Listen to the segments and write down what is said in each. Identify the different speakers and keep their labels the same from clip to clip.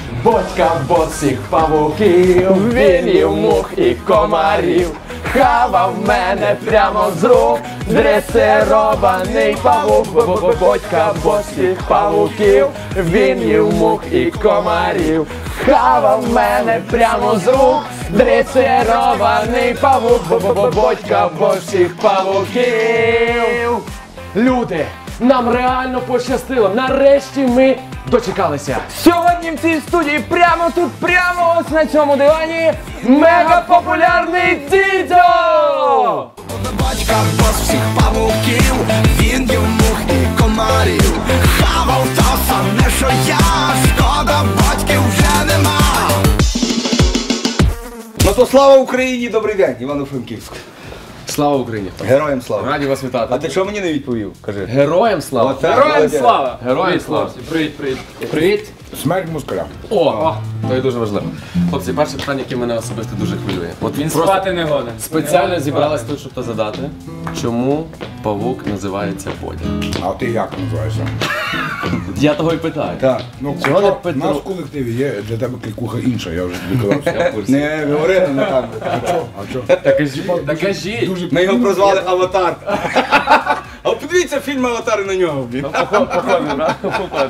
Speaker 1: Бодька босих павуків, він їв мух і комарів. Хавав мене прямо з рук, дресирований павук. Бодька босих павуків, він їв мух і комарів. Хавав мене прямо з рук, дресирований павук. Бодька босих павуків. Люди, нам реально пощастило, нарешті ми дочекалися.
Speaker 2: Сьогодні в цій студії прямо тут, прямо ось на цьому дивані мегапопулярний Дідьо!
Speaker 3: Батька бос всіх павуків, він їв мух і комарів. Хавав то саме, що я, шкода, батьків вже нема.
Speaker 4: Ну то слава Україні, добрий день, Івано-Франківськ.
Speaker 1: Слава Україні!
Speaker 4: Героям слава.
Speaker 1: Раді вас вітати.
Speaker 4: А ти що мені не відповів? Кажи.
Speaker 1: Героям слава!
Speaker 4: Оце
Speaker 2: Героям
Speaker 4: молодець.
Speaker 2: слава!
Speaker 1: Героям слава!
Speaker 2: Привіт, привіт.
Speaker 1: Привіт!
Speaker 5: Смерть москаля.
Speaker 1: О, то є дуже важливо. Хлопці, перше питання, яке мене особисто дуже хвилює. От
Speaker 2: Він
Speaker 1: просто
Speaker 2: спати не годен.
Speaker 1: спеціально зібрались тут, щоб то задати. Чому павук називається Бодя?
Speaker 5: А ти як називаєшся?
Speaker 1: Я того й питаю.
Speaker 4: Так.
Speaker 5: Ну,
Speaker 1: Чого не
Speaker 5: у
Speaker 1: Петро?
Speaker 5: нас в колективі є для тебе клікуха інша, я вже тобі казав.
Speaker 4: Не говорили на камеру.
Speaker 5: А що?
Speaker 1: Так кажіть.
Speaker 5: Дуже
Speaker 4: Ми його прозвали Аватар. А подивіться фільм Аватар на нього, блін.
Speaker 1: Похоже, брат? Похоже.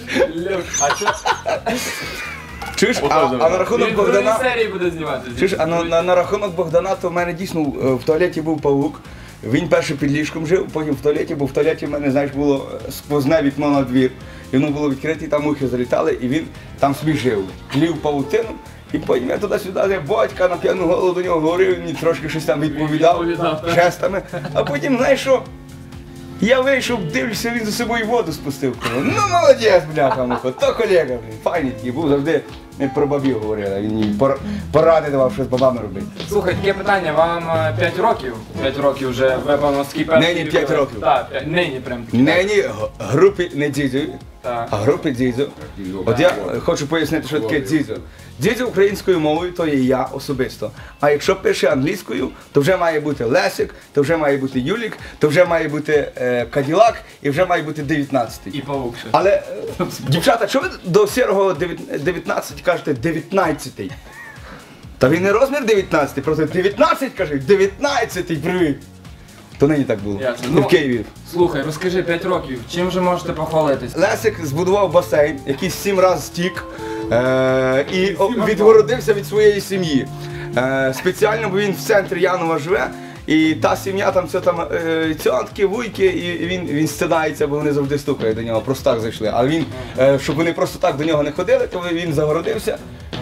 Speaker 4: Чуєш, а на рахунок
Speaker 2: Він в другій
Speaker 4: Богдана...
Speaker 2: серії буде зніматися.
Speaker 4: Чуєш, а на рахунок Богдана, то в мене дійсно в туалеті був павук. Він перше під ліжком жив, потім в туалеті, бо в туалеті в мене, знаєш, було сквозне вікно на двір. І воно було відкрите, і там мухи залітали, і він там собі жив. Лів павутину, і потім я туди-сюди, я батька на п'яну голову до нього говорив, він мені трошки щось там відповідав жестами. А потім, знаєш що? Я вийшов, дивлюся, він за собою воду спустив. Кажу, ну молодець, бляха, муха, то колега, блін, файний такий, був завжди, ми про бабів говорили, він мені поради давав, що з бабами робити.
Speaker 2: Слухай, таке питання, вам 5 років? 5 років вже випевно скіпер.
Speaker 4: Нині 5 років.
Speaker 2: Так, нині прям таки.
Speaker 4: Нині групі не дзідзю,
Speaker 2: Так.
Speaker 4: а групі дзідзю. От я хочу пояснити, що таке дзідзю. Дзідзю українською мовою то є я особисто. А якщо пише англійською, то вже має бути Лесик, то вже має бути Юлік, то вже має бути Каділак і вже має бути 19-й.
Speaker 2: І павук ще.
Speaker 4: Але, дівчата, що ви до сірого 19 кажете 19-й? Та він не розмір 19, просто 19 каже, 19-й, привіт. То нині так було.
Speaker 2: Ясно.
Speaker 4: Ну, в Києві.
Speaker 2: Слухай, розкажи 5 років, чим же можете похвалитись?
Speaker 4: Лесик збудував басейн, який 7 разів стік і відгородився від своєї сім'ї. Спеціально, бо він в центрі Янова живе, і та сім'я там все там цьотки, вуйки, і він стидається, бо вони завжди стукають до нього, просто так зайшли. А він, щоб вони просто так до нього не ходили, то він загородився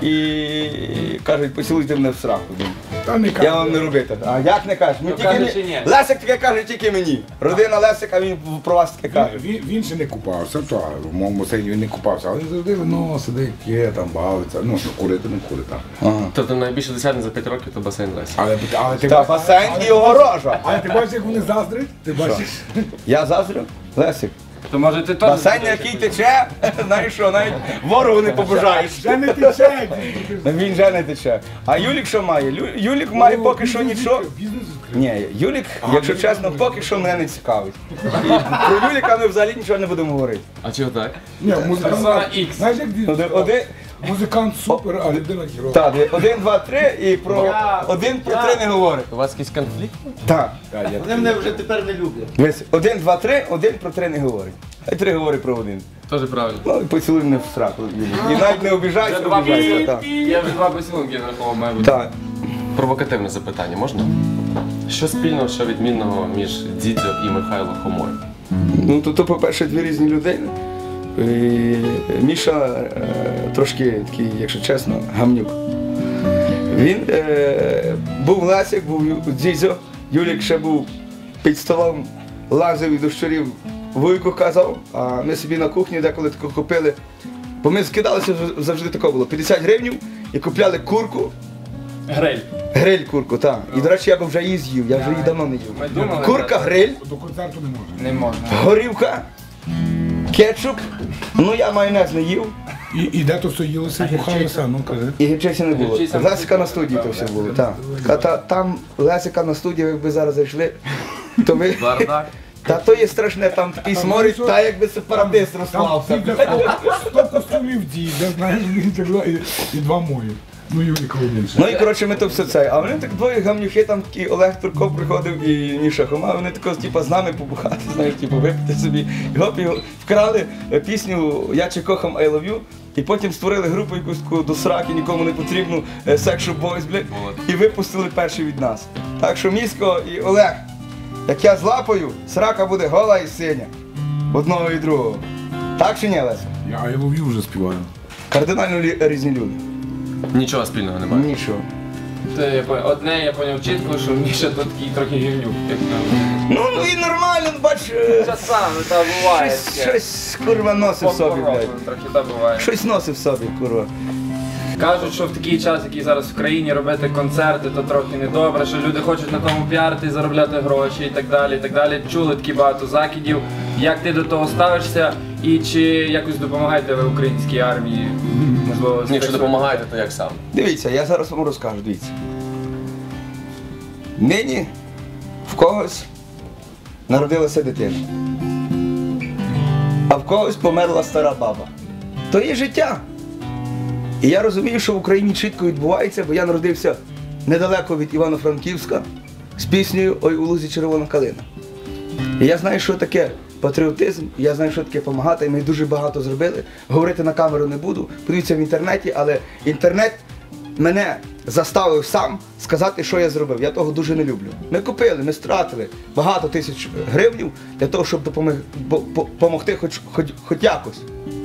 Speaker 4: і кажуть, поцілуйте мене в сраку.
Speaker 5: Та не
Speaker 4: Я вам не робити. А як не кажеш? Ми
Speaker 2: каже,
Speaker 4: тільки
Speaker 2: чи ні?
Speaker 4: Лесик таке каже тільки мені. Родина Лесик, а він про вас таке каже.
Speaker 5: Він ще не купався, то в моєму басейні він не купався, але він завжди сидить, п'є, там бавиться, ну, курити не курить там.
Speaker 1: Тобто найбільше досягнення за 5 років то басейн Лесі.
Speaker 5: Але ти
Speaker 4: Та басейн і огорожа.
Speaker 5: Але ти бачиш, як вони заздрять? Ти бачиш?
Speaker 4: Я заздрю? Лесик.
Speaker 2: То може ти теж...
Speaker 4: Басейн, який тече, знаєш що, навіть ворогу не побажаєш.
Speaker 5: Вже не тече!
Speaker 4: Він вже не тече. А Юлік що має? Юлік має поки що нічого.
Speaker 5: Бізнес відкрив.
Speaker 4: Ні, Юлік, якщо чесно, поки що мене не цікавить. І про Юліка ми взагалі нічого не будемо говорити.
Speaker 1: А чого так?
Speaker 5: Ні,
Speaker 2: Персона
Speaker 5: музикант,
Speaker 2: X.
Speaker 5: знаєш, як
Speaker 4: Один,
Speaker 5: музикант супер, а людина герой.
Speaker 4: так, 1, 2, 3 і про 1 про 3 не говорить.
Speaker 1: У вас якийсь конфлікт?
Speaker 4: Так.
Speaker 6: Вони мене вже тепер не люблять.
Speaker 4: Дивись, 1, 2, 3, 1 про 3 не говорить. А й 3 говорить про 1.
Speaker 1: Теж правильно.
Speaker 4: Ну і поцілуй мене в сраку. Юлік. І навіть не обіжайся,
Speaker 2: Вже два
Speaker 4: обіжайся. Так.
Speaker 2: Я вже 2 поцілунки нарахував, має бути.
Speaker 4: Так.
Speaker 1: Провокативне запитання можна? Що спільного, що відмінного між Дідьо і Михайло Хомою?
Speaker 4: Ну, то по-перше, дві різні людини. І Міша трошки такий, якщо чесно, гамнюк. Він був Лесик, був Дзідзьо, Юлік ще був під столом, лазив і до щурів вуйку казав, а ми собі на кухні деколи тако купили. Бо ми скидалися, завжди тако було, 50 гривень і купляли курку.
Speaker 2: Гриль.
Speaker 4: Гриль курку, так. І, до речі, я б вже її з'їв, я вже її давно не їв.
Speaker 2: Ми думали,
Speaker 4: Курка, гриль,
Speaker 5: До концерту не можна.
Speaker 2: Не можна.
Speaker 4: горівка, кетчуп, ну я майонез не їв.
Speaker 5: І де то все їлося, бухалося, ну кажи.
Speaker 4: І гірчиці не було.
Speaker 2: Гірчиця
Speaker 4: Лесика на студії то все було, так. Там Лесика на студії, якби зараз зайшли, то ви...
Speaker 1: Бардак.
Speaker 4: Та то є страшне, там такий сморід, та якби сепаратист розклався.
Speaker 5: 100 костюмів діда, знаєш, і 2 мої. Ну і нікого більше.
Speaker 4: Ну і коротше ми то все це. А вони так двоє гамнюхи, там такий Олег Турков приходив і Міша Хома, вони тако типу, з нами побухати, знаєш, типу, випити собі. І гоп, і вкрали пісню «Я чи кохам I love you», і потім створили групу якусь таку до сраки, нікому не потрібну, Sexual Boys, блядь, і випустили перші від нас. Так що Місько і Олег, як я злапаю, срака буде гола і синя. Одного і другого. Так чи ні, Леся?
Speaker 5: Я I love you вже співаю.
Speaker 4: Кардинально різні люди.
Speaker 1: Нічого спільного немає.
Speaker 4: Нічого.
Speaker 2: Одне я поняв чітко, що Міша тут такий трохи гівнюк.
Speaker 4: Ну і нормально, бач,
Speaker 2: Часами, та буває.
Speaker 4: щось курва носив в собі, блядь.
Speaker 2: Трохи та буває.
Speaker 4: Щось носив в собі, курва.
Speaker 2: Кажуть, що в такий час, який зараз в країні, робити концерти, то трохи недобре, що люди хочуть на тому піарити, заробляти гроші і так далі, і так далі. Чули такі багато закидів. Як ти до того ставишся і чи якось допомагаєте ви українській армії? Можливо,
Speaker 1: Ні, якщо допомагаєте, то як сам?
Speaker 4: Дивіться, я зараз вам розкажу, дивіться. Нині в когось народилася дитина, а в когось померла стара баба. То є життя. І я розумію, що в Україні чітко відбувається, бо я народився недалеко від Івано-Франківська з піснею «Ой, у лузі червона калина». І я знаю, що таке патріотизм, і я знаю, що таке допомагати, і ми дуже багато зробили. Говорити на камеру не буду, подивіться в інтернеті, але інтернет мене заставив сам сказати, що я зробив. Я того дуже не люблю. Ми купили, ми стратили багато тисяч гривень для того, щоб допомогти хоч якось.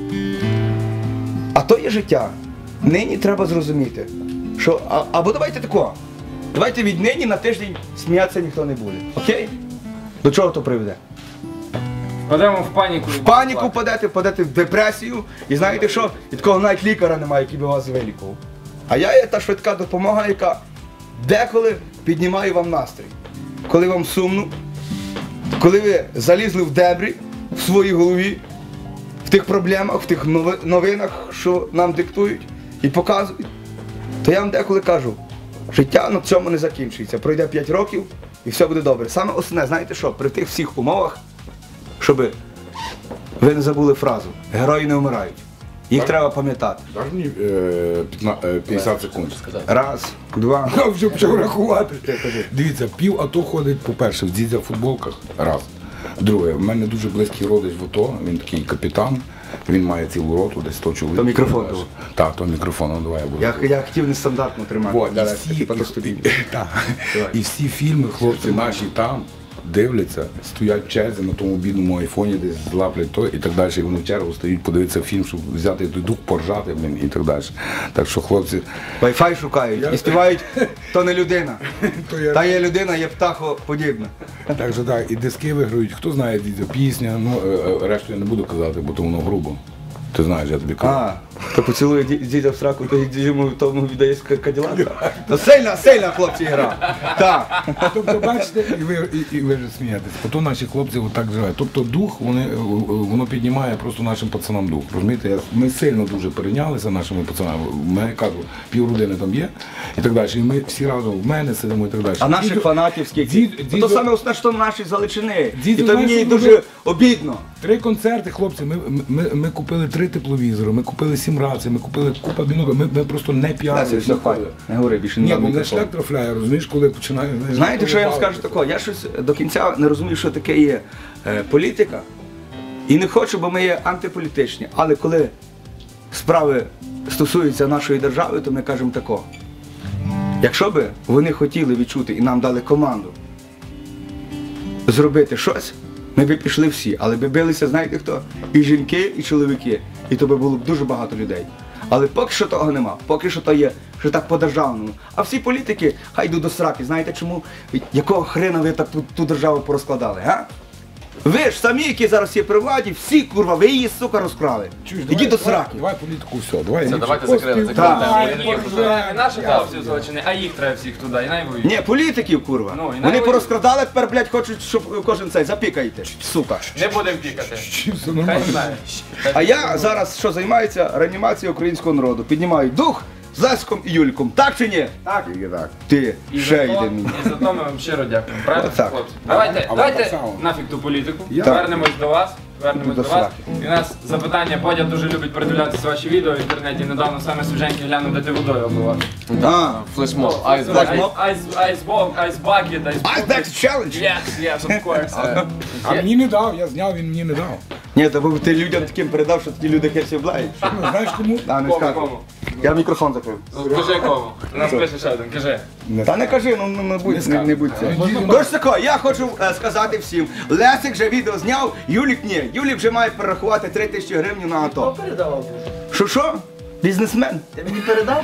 Speaker 4: А то є життя. Нині треба зрозуміти, що або давайте такого. Давайте віднині на тиждень сміятися ніхто не буде. Окей? До чого то приведе?
Speaker 2: Впадемо в паніку.
Speaker 4: В паніку впадете в депресію, і знаєте що? І такого навіть лікаря немає, який би вас вилікував. А я є та швидка допомога, яка деколи піднімає вам настрій. Коли вам сумно, коли ви залізли в дебрі в своїй голові, в тих проблемах, в тих новинах, що нам диктують і показують, то я вам деколи кажу, життя на цьому не закінчується. Пройде 5 років і все буде добре. Саме основне, знаєте що, при тих всіх умовах, щоб ви не забули фразу «Герої не вмирають». Їх треба пам'ятати.
Speaker 5: Даш мені 50 секунд.
Speaker 4: Раз, два.
Speaker 5: Я вже почав рахувати. Дивіться, пів АТО ходить, по-перше, в дідзя футболках. Раз. Друге, в мене дуже близький родич в АТО, він такий капітан, він має цілу роту, десь 100 чоловік.
Speaker 4: То мікрофон був.
Speaker 5: Так, то мікрофон, ну давай я буду.
Speaker 4: Я хотів нестандартно тримати.
Speaker 5: Вот,
Speaker 4: Давай,
Speaker 5: і,
Speaker 4: типа, до студії.
Speaker 5: і всі фільми, хлопці наші там дивляться, стоять в черзі на тому бідному айфоні, десь злаплять то і так далі. І вони в чергу стоять, подивитися фільм, щоб взяти той дух, поржати, блін, і так далі. Так що, хлопці,
Speaker 4: Wi-Fi шукають і співають «То не людина».
Speaker 5: то я...
Speaker 4: Та є людина, є птахоподібна.
Speaker 5: Так що так, і диски виграють, хто знає дідя, пісня, ну, решту я не буду казати, бо то воно грубо. Ти знаєш, я тобі кажу.
Speaker 4: А, то поцілує дідя в сраку, то йому тому віддає Каділака. То сильна, хлопці, гра. Так.
Speaker 5: Тобто, бачите, і ви вже смієтесь. Ото наші хлопці отак живуть. Тобто дух, воно піднімає просто нашим пацанам дух. Розумієте, ми сильно дуже перейнялися нашими пацанами. У мене, кажу, півродини там є і так далі. І ми всі разом в мене сидимо і так далі.
Speaker 4: А наших фанатів скільки? То саме основне, що наші з Галичини. І
Speaker 5: Дідо,
Speaker 4: то мені
Speaker 5: знаєш,
Speaker 4: дуже обідно.
Speaker 5: 3 концерти, хлопці, ми купили 3 тепловізори, ми купили 7 рацій, ми купили купа біноклів, ми просто не піарили.
Speaker 4: Не говори більше,
Speaker 5: Ні,
Speaker 4: не
Speaker 5: бо
Speaker 4: надо
Speaker 5: мене
Speaker 4: мікрофон.
Speaker 5: шлях трафляє, розумієш, коли починає...
Speaker 4: Знаєте, що я вам скажу такого? Я щось до кінця не розумію, що таке є політика. І не хочу, бо ми є антиполітичні. Але коли справи стосуються нашої держави, то ми кажемо такого. Якщо би вони хотіли відчути і нам дали команду зробити щось, ми б пішли всі. Але би билися, знаєте хто? І жінки, і чоловіки. І то би було б дуже багато людей. Але поки що того нема, поки що то є, що так по-державному. А всі політики хай йдуть до сраки. Знаєте чому? Якого хрена ви так ту державу порозкладали, га? Ви ж самі, які зараз є при владі, всі, курва, ви її, сука, розкрали. Ідіть до сраки.
Speaker 5: Давай політику, все, давай.
Speaker 1: Все, давайте закрили.
Speaker 2: Не наших хлопців з Галичини, а їх треба всіх туди, і най воюють.
Speaker 4: Ні, політиків, курва.
Speaker 2: Ну, і
Speaker 4: Вони
Speaker 2: навіть-
Speaker 4: порозкрадали, тепер, блядь, хочуть, щоб кожен цей запікайте, сука.
Speaker 2: Не будемо пікати.
Speaker 5: Все
Speaker 2: Хай
Speaker 5: нормально.
Speaker 2: знає.
Speaker 4: А я зараз що займаюся реанімацією українського народу. Піднімаю дух, з Лесиком і Юліком. Так чи ні?
Speaker 6: Так.
Speaker 5: Тільки так.
Speaker 4: Ти
Speaker 2: І
Speaker 4: ще
Speaker 2: за
Speaker 4: йде
Speaker 2: то-
Speaker 4: мені.
Speaker 2: І за то ми вам щиро дякуємо. Правильно,
Speaker 4: Так.
Speaker 2: хлопці? Давайте,
Speaker 5: А вам
Speaker 2: давайте
Speaker 5: так само.
Speaker 2: нафіг ту політику.
Speaker 5: Я-
Speaker 2: Вернемось до вас. Вернемось
Speaker 4: До
Speaker 2: до вас.
Speaker 4: сраки.
Speaker 2: І у нас запитання. Бодя дуже любить передивлятися ваші відео в інтернеті. Недавно саме свіженькі глянув, де ти водою обливав.
Speaker 4: А,
Speaker 1: Флешмоб, айс
Speaker 4: Флешмоб.
Speaker 2: Ice bucket,
Speaker 4: Ice Bucket Challenge.
Speaker 2: Yes, of course.
Speaker 5: А мені не дав, я зняв, він мені не дав.
Speaker 4: Ні, то бо ти людям таким передав, що такі люди херсі облагають.
Speaker 5: Ну, знаєш кому?
Speaker 4: А, не
Speaker 2: Кому,
Speaker 4: скажу.
Speaker 2: кому?
Speaker 4: Я мікрофон закрив.
Speaker 2: Кажи кому. У нас пише ще один, кажи.
Speaker 4: Та не кажи, ну не будь це. Тож тако, я хочу сказати всім. Лесик вже відео зняв, Юлік ні. Юлік вже має перерахувати 3000 гривень на АТО.
Speaker 6: Передавав.
Speaker 4: Що? Бізнесмен.
Speaker 6: Ти мені передав?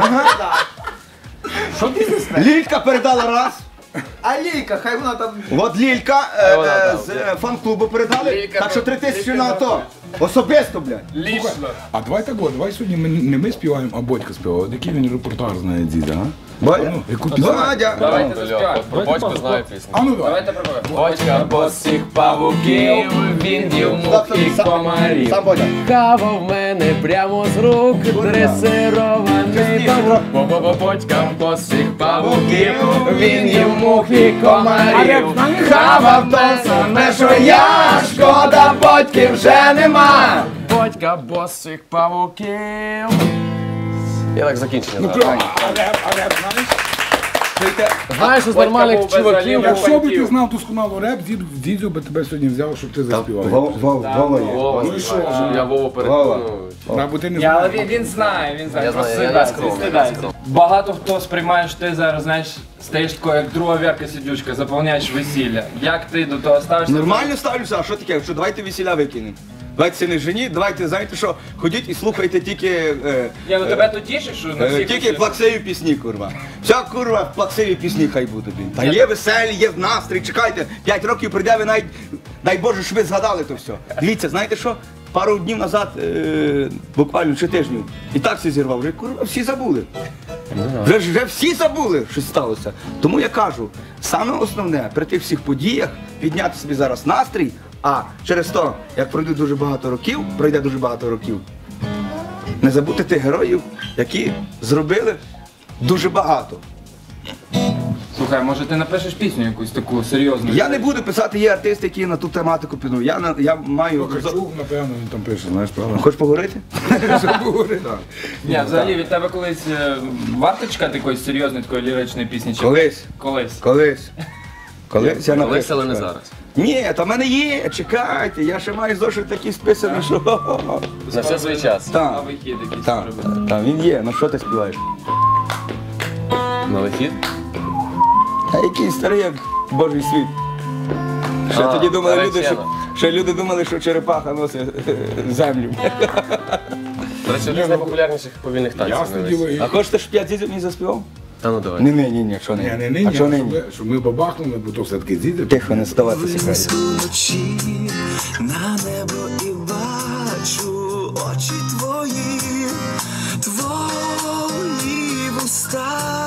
Speaker 5: Що бізнесмен?
Speaker 4: Лілька передала раз.
Speaker 6: А Лійка, хай вона там...
Speaker 4: От Лілька з фан-клубу передали.
Speaker 2: Лілька,
Speaker 4: Так що
Speaker 2: ну,
Speaker 4: 3000
Speaker 2: Лілька
Speaker 4: на АТО. Особисто, блядь.
Speaker 2: Лічно.
Speaker 5: А давай так, давай сьогодні не ми співаємо, а Бодька співає. От який він репортаж знає діда, а?
Speaker 4: Бодя?
Speaker 5: Ну, яку пісню?
Speaker 4: Бодя.
Speaker 2: Давайте заспіваємо.
Speaker 1: Про Бодьку знаю пісню.
Speaker 5: А ну давай.
Speaker 2: Давайте пробуємо.
Speaker 1: Бодька босих павуків, він їв мух і комарів.
Speaker 4: Сам Бодя.
Speaker 1: Кава в мене прямо з рук, дресирований павук. Бодька босих павуків, він їв мух і комарів.
Speaker 4: Хавав те саме, що я, шкода, Бодьки вже нема.
Speaker 1: Бодька босих павуків. Я так закінчення.
Speaker 5: Ну,
Speaker 1: зараз.
Speaker 5: прямо. А реп знаєш?
Speaker 1: Знаєш, з
Speaker 2: Бодька
Speaker 1: нормальних
Speaker 2: був без
Speaker 1: чуваків.
Speaker 2: олів.
Speaker 5: Якщо би ти
Speaker 2: Фантів.
Speaker 5: знав досконало реп, дідю би тебе сьогодні взяв, щоб ти заспівав.
Speaker 4: Вова є.
Speaker 1: Вова,
Speaker 5: Ну і що?
Speaker 1: я Вову
Speaker 4: Вова.
Speaker 1: переконую.
Speaker 5: Або ти не
Speaker 2: Ні, але
Speaker 5: знаєш.
Speaker 2: він знає, він знає.
Speaker 1: Я
Speaker 2: Просто
Speaker 1: знаю, я
Speaker 2: стидається,
Speaker 1: скромний,
Speaker 2: стидається.
Speaker 1: я скромний.
Speaker 2: Багато хто сприймає, що ти зараз, знаєш, стаєш такою, як друга Вірка Сидючка, заповняєш весілля. Як ти до того ставишся?
Speaker 4: Нормально ставлюся, а що таке? Що давайте весіля викинемо. Давайте це не жені, давайте, знаєте що, ходіть і слухайте тільки
Speaker 2: Ні, ну тебе то тішить, що на всіх...
Speaker 4: тільки плаксиві пісні, курва. Вся курва плаксиві пісні хай будуть. блін. Та є веселі, є в настрій, чекайте, 5 років прийде, ви навіть, дай Боже, щоб ви згадали то все. Дивіться, знаєте що? Пару днів назад, буквально чи тижнів, і так всі зірвав, вже курва всі забули. Вже всі забули, що сталося. Тому я кажу, саме основне при тих всіх подіях підняти собі зараз настрій, а через то, як пройде дуже багато років, не забути тих героїв, які зробили дуже багато.
Speaker 2: Слухай, може ти напишеш пісню якусь таку серйозну?
Speaker 4: Я не буду писати, є артисти, які на ту тематику підуть. Я маю.
Speaker 5: Чув, напевно, він там пише, знаєш, правда?
Speaker 4: Хочеш поговорити?
Speaker 2: Ні, взагалі від тебе колись варто чекати якоїсь серйозної такої ліричної пісні? Чи...
Speaker 4: Колись.
Speaker 2: Колись.
Speaker 4: Колись я напишу.
Speaker 1: Колись, але не зараз.
Speaker 4: Ні, та в мене є, чекайте, я ще маю зошит такий списаний, що.
Speaker 1: На все свій час.
Speaker 2: На
Speaker 4: Так,
Speaker 2: вихід якийсь
Speaker 4: так,
Speaker 2: зробити.
Speaker 4: так, він є, ну що ти співаєш?
Speaker 1: На вихід?
Speaker 4: А який старий, як Божий світ. Ще тоді думали люди,
Speaker 1: наречена.
Speaker 4: ще люди думали, що черепаха носить землю.
Speaker 1: До речі, один з найпопулярніших повільних танців.
Speaker 5: Ясне
Speaker 1: на
Speaker 5: діло.
Speaker 1: весь.
Speaker 4: А хочеш, щоб я дідів мені заспівав?
Speaker 1: Та ну давай.
Speaker 4: Ні, що не.
Speaker 5: Ні,
Speaker 4: А що не?
Speaker 5: щоб ми бабахнули, бо то все-таки діти.
Speaker 4: Тихо, не ставатися.
Speaker 3: Винесу вночі на небо і бачу очі твої, твої вуста,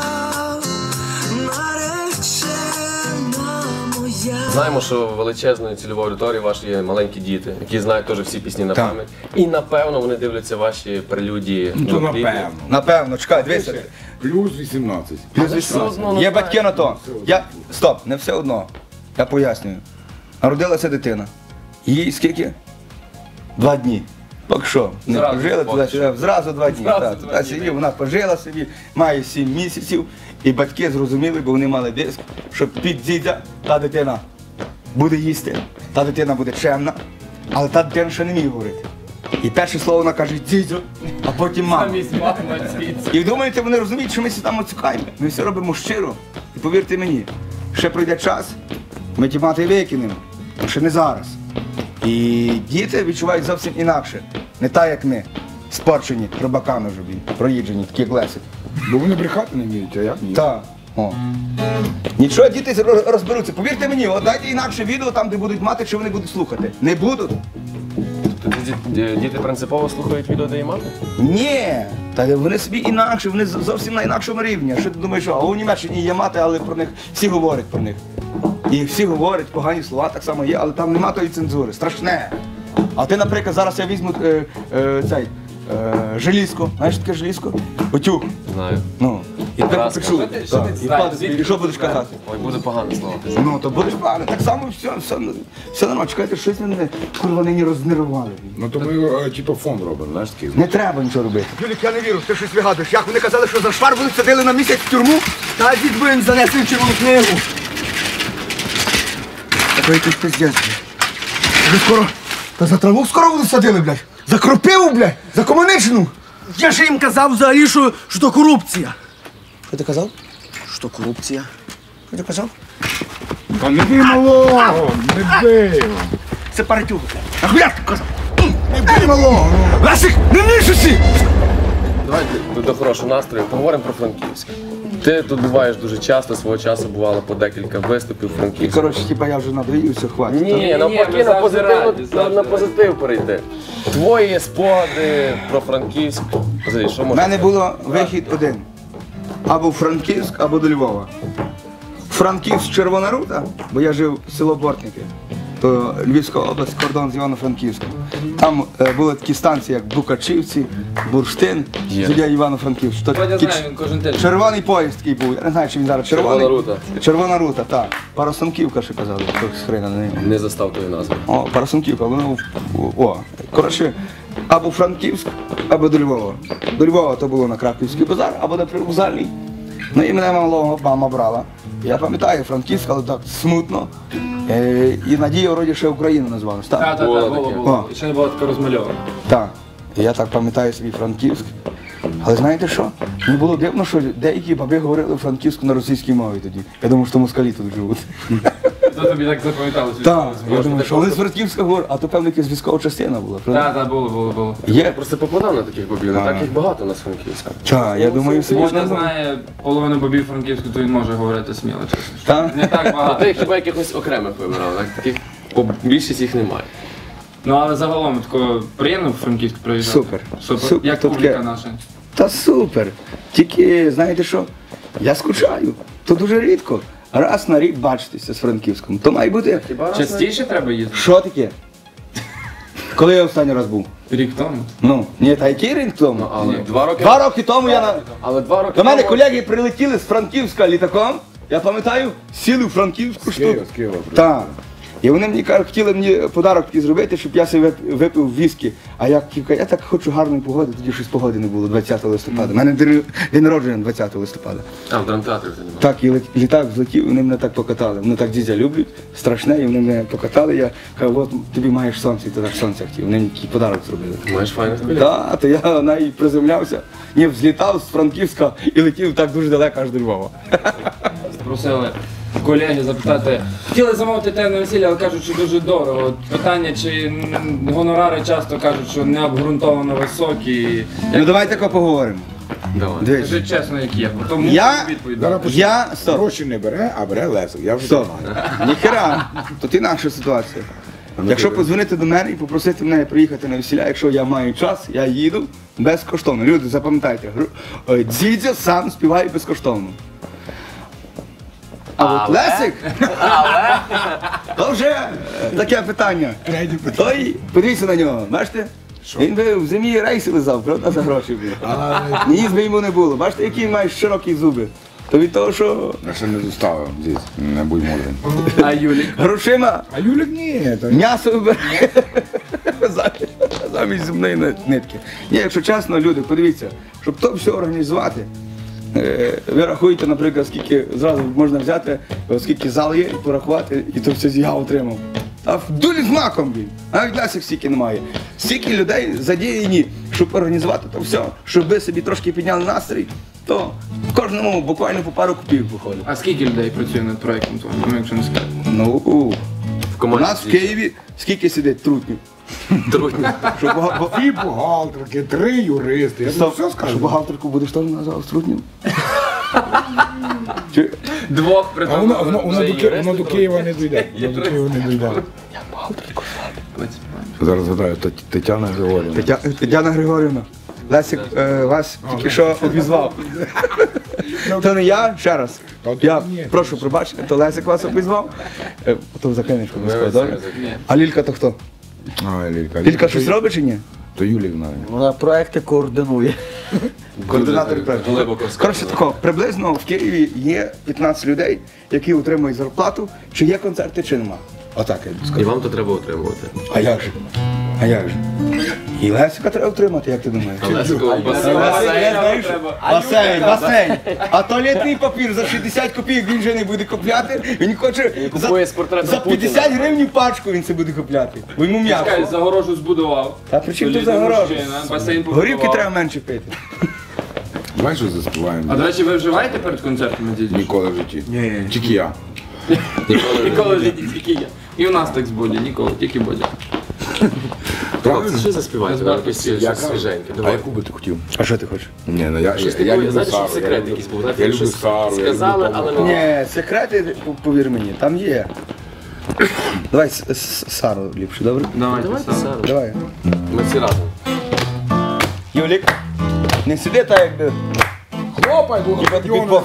Speaker 3: наречена моя.
Speaker 1: Знаємо, що величезною цільовою аудиторією ваші є маленькі діти, які знають теж всі пісні на
Speaker 4: Так.
Speaker 1: пам'ять. І напевно вони дивляться ваші прелюдії.
Speaker 5: Ну то
Speaker 1: до кліпів.
Speaker 5: напевно.
Speaker 4: Напевно, чекай, дивися.
Speaker 5: Плюс 18.
Speaker 4: Плюс
Speaker 1: Але все
Speaker 4: 18.
Speaker 1: одно, ну,
Speaker 4: Є
Speaker 1: так.
Speaker 4: батьки на то. Стоп, не все одно. Я пояснюю. Народилася дитина. Їй скільки? 2 дні. Поки що. Не
Speaker 2: Зразу,
Speaker 4: пожила
Speaker 2: поки
Speaker 4: туди-сюди, зразу 2 дні.
Speaker 2: Зразу
Speaker 4: Так,
Speaker 2: 2
Speaker 4: туди
Speaker 2: дні,
Speaker 4: сидів, вона пожила собі, має 7 місяців. І батьки зрозуміли, бо вони мали диск, що під дідя та дитина буде їсти, та дитина буде чемна, але та дитина ще не вміє говорити. І перше слово вона каже дідьо, а потім мама.
Speaker 2: Замість мами звідси.
Speaker 4: І думаєте, вони розуміють, що ми всі там оцікаємо. Ми все робимо щиро. І повірте мені, ще пройде час, ми ті мати викинемо, ще не зараз. І діти відчувають зовсім інакше. Не так, як ми, спорчені, рибаками вже, проїджені, такі як Лесик.
Speaker 5: Бо вони брехати не вміють, а як ні?
Speaker 4: Так. О. Нічого, діти розберуться. Повірте мені, от дайте інакше відео там, де будуть мати, чи вони будуть слухати. Не будуть?
Speaker 1: Тобто діти принципово слухають відео, де є мати?
Speaker 4: Ні, та вони собі інакше, вони зовсім на інакшому рівні. А що ти думаєш, що у Німеччині є мати, але про них всі говорять про них. І всі говорять, погані слова так само є, але там нема тої цензури. Страшне. А ти, наприклад, зараз я візьму желізко. Знаєш, що таке желізко? Утюг.
Speaker 1: Знаю.
Speaker 4: Ну, і тепер
Speaker 1: праска.
Speaker 4: попечу.
Speaker 2: що ти
Speaker 4: І
Speaker 2: знаєш?
Speaker 4: впаде, і що будеш казати?
Speaker 1: Ой, буде погано слово.
Speaker 4: Ну, то будеш погано, так само все нормально. Чекайте, щось мене, курва, нині рознервували.
Speaker 5: Ну то ми типу фонд робимо, знаєш такий.
Speaker 4: Не треба нічого робити.
Speaker 6: Юлік, я не вірю, ти щось вигадуєш. Як вони казали, що за Шварбу садили на місяць в тюрму? Та дід би їм занесли в червону книгу. Та якийсь пиздець. Вже скоро, та за траву скоро вони садили, блядь. За кропиву, блядь, за комуничну. Я ж їм казав взагалі, що то корупція. Що ти казав? Що корупція. Що ти казав?
Speaker 5: Та не бий малого, не бий.
Speaker 6: Це паратюга. Нахуя ти казав? Не бий малого. Лесик, не нишуйся!
Speaker 1: Давайте до хорошого настрою поговоримо про Франківськ. Ти тут буваєш дуже часто, свого часу бувало по декілька виступів
Speaker 4: І,
Speaker 1: Франківськ.
Speaker 4: коротше, типа я вже надоївся, хватить.
Speaker 1: Ні, навпаки,
Speaker 2: ми
Speaker 1: на
Speaker 2: завжди раді,
Speaker 1: позитив, на позитив перейди. Твої спогади про Франківськ. Взагалі, що
Speaker 4: У
Speaker 1: можна?
Speaker 4: мене було вихід один. Або в Франківськ, або до Львова. Франківськ Червона Рута, бо я жив село Бортники, то Львівська область, кордон з Івано-Франківськом. Там були такі станції, як Букачівці, Бурштин,
Speaker 1: Є.
Speaker 4: біля Івано-Франківськ. То
Speaker 2: Я
Speaker 4: такі
Speaker 2: знаю, він кожен тиждень.
Speaker 4: червоний поїзд такий був. Я не знаю, чи він зараз червоний.
Speaker 1: Червона Рута.
Speaker 4: Червона Рута, так. Парасонківка ще казали, хтось хрена на неї.
Speaker 1: Не застав тої назви.
Speaker 4: О, Парасонківка, воно коротше, або Франківськ, або до Львова. До Львова то було на Краківський базар, або на Привокзальний. Ну і мене малого мама брала. Я пам'ятаю Франківськ, але так смутно. І Надія вроді ще Україну назвалась.
Speaker 2: Так,
Speaker 4: Так.
Speaker 2: так,
Speaker 1: Було
Speaker 2: так,
Speaker 1: таке.
Speaker 2: було. Ще не було таке розмальовано.
Speaker 4: Так. І я так пам'ятаю свій Франківськ. Але знаєте що? Мені було дивно, що деякі баби говорили франківську на російській мові тоді. Я думав, що москалі тут живуть.
Speaker 2: То тобі так запам'яталося.
Speaker 4: Так, я думаю, що вони з Франківська говорять, а то певно якась військова частина була. правда?
Speaker 2: Так, так, було.
Speaker 1: Я
Speaker 4: Є?
Speaker 1: просто попадав на таких бобів, не так їх багато у нас Франківська.
Speaker 4: Так, я думаю, собі.
Speaker 2: Можна знає половину бобів франківську, то він може говорити сміло, чесно.
Speaker 4: Так?
Speaker 2: Не так
Speaker 1: А
Speaker 2: багато.
Speaker 1: ти хіба якихось окремих вибирав, так? Таких більшість їх немає.
Speaker 2: Ну але загалом тако приємно в Франківськ приїжджати.
Speaker 4: Супер.
Speaker 2: Супер.
Speaker 4: Супер.
Speaker 2: Як
Speaker 4: Тут
Speaker 2: публіка
Speaker 4: таке-
Speaker 2: наша.
Speaker 4: Та супер. Тільки, знаєте що, я скучаю. То дуже рідко. Раз на рік бачитися з Франківськом. То має бути.
Speaker 2: Частіше треба їздити?
Speaker 4: Що таке? Коли я останній раз був?
Speaker 2: Рік тому.
Speaker 4: Ну, ні, та який рік тому?
Speaker 1: Але 2 роки.
Speaker 4: 2 роки тому я на.
Speaker 1: Але 2 роки.
Speaker 4: До мене
Speaker 1: тому-
Speaker 4: колеги прилетіли з Франківська літаком. Я пам'ятаю, сіли в Франківську штуку.
Speaker 5: З Києва.
Speaker 4: Так. І вони мені кажуть, хотіли мені подарок такий зробити, щоб я собі випив віскі. А я кажу, я так хочу гарної погоди, тоді щось погоди не було 20 листопада. У мене день народження 20 листопада.
Speaker 1: А, в драмтеатрі вже немає.
Speaker 4: Так, і літак злетів, вони мене так покатали. Вони так дідя люблять, страшне, і вони мене покатали. Я кажу, от тобі маєш сонце, і ти так сонце хотів. Вони мені такий подарок зробили.
Speaker 1: Маєш файних колег.
Speaker 4: Так, то я навіть приземлявся, ні, взлітав з Франківська і летів так дуже далеко аж до Львова.
Speaker 2: Просили колеги запитати, хотіли замовити те на весілля, але кажуть, що дуже дорого. От питання, чи гонорари часто кажуть, що не обґрунтовано високі.
Speaker 4: Ну давай тако поговоримо.
Speaker 1: Давай.
Speaker 4: Дивись.
Speaker 2: Скажи чесно, як є. Тому
Speaker 4: Я-
Speaker 2: відповідь.
Speaker 4: Стоп.
Speaker 5: Гроші не бере, а бере Лесик. Я вже
Speaker 4: Стоп.
Speaker 5: знаю.
Speaker 4: Ніхера, тут інакша ситуація. Якщо подзвонити до мене і попросити мене приїхати на весілля, якщо я маю час, я їду безкоштовно. Люди, запам'ятайте, Дзідзя сам співає безкоштовно. А от Лесик, то вже таке питання. Той, подивіться на нього, бачите? Він би в зимі рейси лизав, правда, за гроші. Ніс би йому не було. Бачите, які він має широкі зуби. То від того, що
Speaker 5: Я ще не доставив здесь, не будь мудрим.
Speaker 2: А Юлік?
Speaker 4: грошима
Speaker 5: А Юлік ні, то
Speaker 4: м'ясо вибирає замість зубної нитки. Ні, якщо чесно, люди, подивіться, щоб то все організувати, ви рахуєте, наприклад, скільки зразу можна взяти, скільки зал є, і порахувати, і то все я отримав. А в дулі з маком, блін. Навіть Лесик стільки немає. Стільки людей задіяні, щоб організувати то все, щоб ви собі трошки підняли настрій, то кожному буквально по пару копійок виходить.
Speaker 2: А скільки людей працює над проєктом твоїм, ну якщо не сказати?
Speaker 4: Ну, у
Speaker 1: команді
Speaker 4: нас в Києві скільки сидить трутнів?
Speaker 1: Трудно.
Speaker 4: Щоб
Speaker 5: дві бухгалтерки, 3 юристи. Я тобі все
Speaker 4: Що
Speaker 5: скажу.
Speaker 4: бухгалтерку будеш теж назвав Струтнім? Чи-
Speaker 2: Двох при
Speaker 5: А
Speaker 2: тому.
Speaker 5: воно до Києва не дійде. Воно до Києва не дійде. Зараз згадаю, Тетяна Григорівна.
Speaker 4: Тетяна Григорівна, Лесик вас тільки що обізвав. То не я, ще раз. Я прошу пробачення, то Лесик вас обізвав. Потім закинеш обов'язково, добре? А Лілька то хто?
Speaker 5: А, Лілька.
Speaker 4: Лілька щось робить чи ні?
Speaker 5: То Юлік знає.
Speaker 6: Вона проекти координує.
Speaker 4: Координатор проєкту. Коротше тако, приблизно в Києві є 15 людей, які отримують зарплату, чи є концерти, чи нема. Отак я
Speaker 1: І
Speaker 4: скажу.
Speaker 1: вам то треба отримувати.
Speaker 4: А як же? А як же? І Лесика треба отримати, як ти думаєш? Басейн. А туалетний папір за 60 копійок він вже не буде купляти. Він хоче
Speaker 1: Купує з портретом
Speaker 4: за 50 гривень пачку він це буде купляти. Бо йому
Speaker 2: Чекай,
Speaker 4: м'яко.
Speaker 2: загорожу збудував.
Speaker 4: Та при чому тут
Speaker 2: Солідна
Speaker 4: загорожу?
Speaker 2: мужчина, басейн
Speaker 4: Горівки
Speaker 2: побудував.
Speaker 4: треба менше пити.
Speaker 5: Давай що заспіваємо.
Speaker 2: А до речі, ви вживаєте перед концертами, дідько?
Speaker 5: Ніколи в житті. Тільки я.
Speaker 2: Ніколи в житті, тільки я. І у нас так з Боді, ніколи, тільки Бодя.
Speaker 1: Правда? Що заспіваєте? Вам якось щось свіженьке.
Speaker 5: А
Speaker 1: Давай.
Speaker 5: яку би ти хотів?
Speaker 4: А що ти хочеш?
Speaker 5: Ні, ну я
Speaker 1: Щось
Speaker 5: люблю
Speaker 1: таке, знаєш,
Speaker 5: Сару.
Speaker 1: що секрет якийсь був. знаєте,
Speaker 5: Я люблю
Speaker 1: щось
Speaker 5: Сару. я
Speaker 1: Сказали,
Speaker 5: люблю
Speaker 1: але
Speaker 5: Тому.
Speaker 1: не...
Speaker 4: Ні, секрети, повір мені, там є. Давай Сару ліпше, добре?
Speaker 2: Давайте,
Speaker 1: Давайте,
Speaker 2: Сара.
Speaker 1: Сара.
Speaker 4: Давай.
Speaker 1: Ми всі разом.
Speaker 4: Юлік, не сиди так, якби.
Speaker 5: Хлопай, бо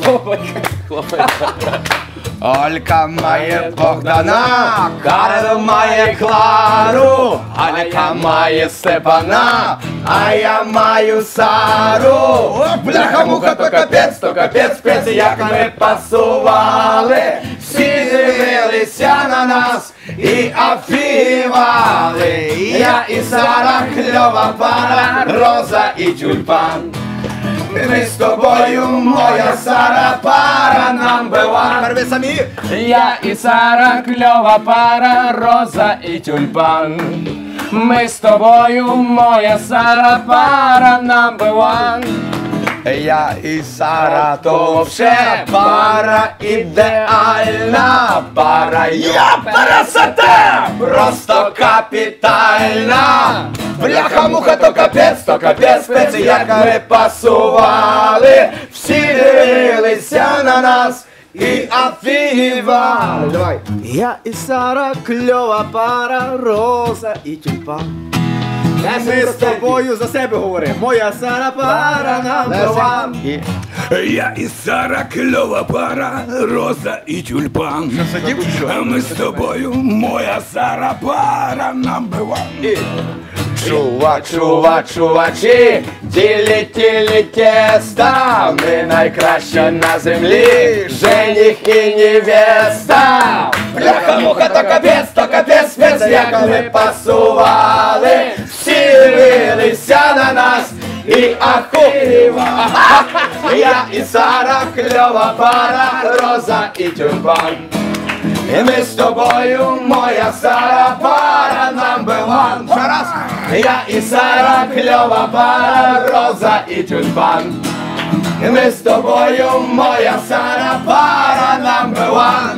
Speaker 4: Олька має Богдана, Карл має Клару, Алька має Степана, а я маю Сару. Бляха-муха, то капець, спец, як ми пасували. Всі дивилися на нас і афівали. Я і Сара, кльова пара, Роза і тюльпан. Ми з тобою, моя Сара, пара number one. Перви самі.
Speaker 1: Я і Сара, кльова пара, Роза і тюльпан. Ми з тобою, моя Сара, пара number one.
Speaker 4: Я і Сара, то вообще пара ідеальна. Пара я красота, просто капітальна. Бляха-муха, то капець, спец, як ми пасували. Всі дивилися на нас і афігівали. Давай.
Speaker 6: Я і Сара, кльова пара, Роза і тюльпан. Ми з тобою за себе говоримо. Моя Сара, пара number one.
Speaker 5: Я і Сара, кльова пара, Роза і тюльпан. А ми з тобою, моя Сара, пара number one.
Speaker 4: Чувачі, тілі теста, ми найкраща на землі, жених і невеста. Бляха-муха, то капець, спец, як ми пасували, всі дивилися на нас і ахуєвали. Я і Сара, кльова пара, Роза і тюльпан. І ми з тобою, моя Сара, пара number one. Ще раз. Я і Сара, кльова пара, Роза і тюльпан. І ми з тобою, моя Сара, пара number one.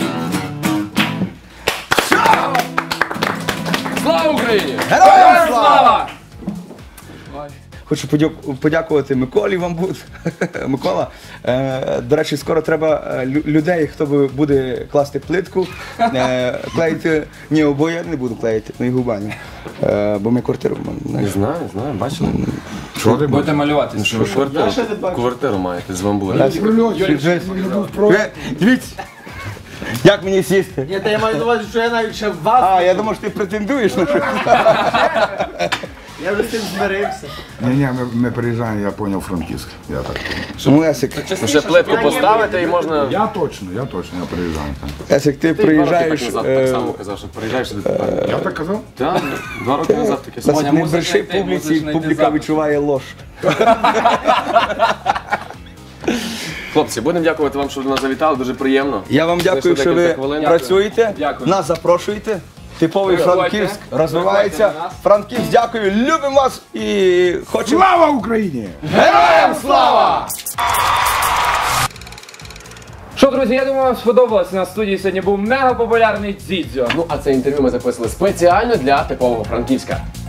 Speaker 1: Слава Україні!
Speaker 4: Героям слава! Хочу подякувати Миколі вам буде. Микола, до речі, скоро треба людей, хто буде класти плитку, клеїти, ні, обоє я не буду клеїти, на його баню, бо ми квартиру
Speaker 1: Не знаю, бачили.
Speaker 5: Що ти
Speaker 2: Будете малювати.
Speaker 1: Що ви квартиру маєте з бамбура.
Speaker 4: Дивіться, як мені сісти?
Speaker 6: Ні, та я маю на увазі, що я навіть ще в вас.
Speaker 4: А, я думав, що ти претендуєш на щось.
Speaker 6: Я вже з цим змирився.
Speaker 5: Ні, ми приїжджаємо, я поняв, Франківськ. Я так поняв.
Speaker 4: Лесик,
Speaker 1: Ще плитку поставити і можна...
Speaker 5: Я точно, я приїжджаю.
Speaker 4: Лесик, ти приїжджаєш,
Speaker 1: так само казав, що приїжджаєш сюди.
Speaker 5: Я так казав?
Speaker 1: Так, 2 роки назад таке
Speaker 4: Лесик,
Speaker 1: слово.
Speaker 4: не
Speaker 2: мусиш
Speaker 4: бреши
Speaker 2: знайти,
Speaker 4: публіці,
Speaker 2: мусиш знайти
Speaker 4: публіка
Speaker 2: запис.
Speaker 4: відчуває лож.
Speaker 1: Хлопці, будемо дякувати вам, що ви до нас завітали, дуже приємно.
Speaker 4: Я вам дякую,
Speaker 1: Знайшли
Speaker 4: що ви
Speaker 1: декілька хвилин.
Speaker 4: працюєте,
Speaker 2: Дякую.
Speaker 4: нас запрошуєте. Типовий
Speaker 2: Приходьте.
Speaker 4: Франківськ розвивається.
Speaker 2: Приходьте на нас.
Speaker 4: Франківськ, дякую, любимо вас і хочемо.
Speaker 5: Слава Україні!
Speaker 4: Героям слава!
Speaker 2: Що, друзі, я думаю, вам сподобалось. На студії сьогодні був мега популярний Дзідзьо.
Speaker 1: Ну, а це інтерв'ю ми записали спеціально для типового Франківська.